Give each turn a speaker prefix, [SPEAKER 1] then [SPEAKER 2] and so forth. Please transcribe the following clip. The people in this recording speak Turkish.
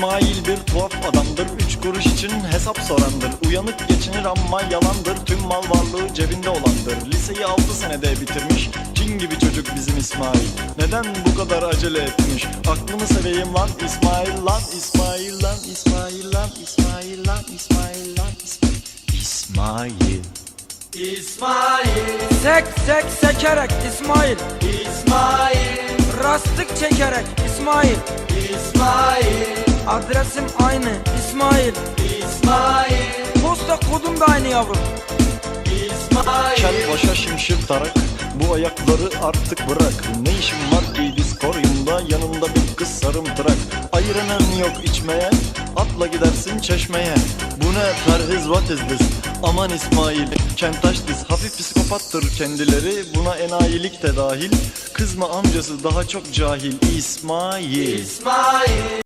[SPEAKER 1] İsmail bir tuhaf adamdır, 3 kuruş için hesap sorandır. Uyanık geçinir ama yalandır, tüm mal varlığı cebinde olandır. Liseyi 6 senede bitirmiş, cin gibi çocuk bizim İsmail. Neden bu kadar acele etmiş? Aklını seveyim lan İsmail lan, İsmail lan, İsmail lan, İsmail lan, İsmail lan, İsmail.
[SPEAKER 2] İsmail,
[SPEAKER 3] Sek sek sekerek İsmail,
[SPEAKER 2] İsmail,
[SPEAKER 3] rastlık çekerek İsmail,
[SPEAKER 2] İsmail,
[SPEAKER 3] adresim aynı İsmail,
[SPEAKER 2] İsmail,
[SPEAKER 3] posta kodum da aynı yavrum.
[SPEAKER 2] İsmail.
[SPEAKER 1] Kel başa şimşir tarak, bu ayakları artık bırak. Ne işin var ki diskoryumda, yanında bir kız sarımtırak. Ayıranın yok içmeye, atla gidersin çeşmeye. Bu ne perhiz, what is this? Aman İsmail, kentaş diz, hafif psikopattır kendileri. Buna enayilik de dahil, kızma amcası daha çok cahil İsmail.
[SPEAKER 2] İsmail.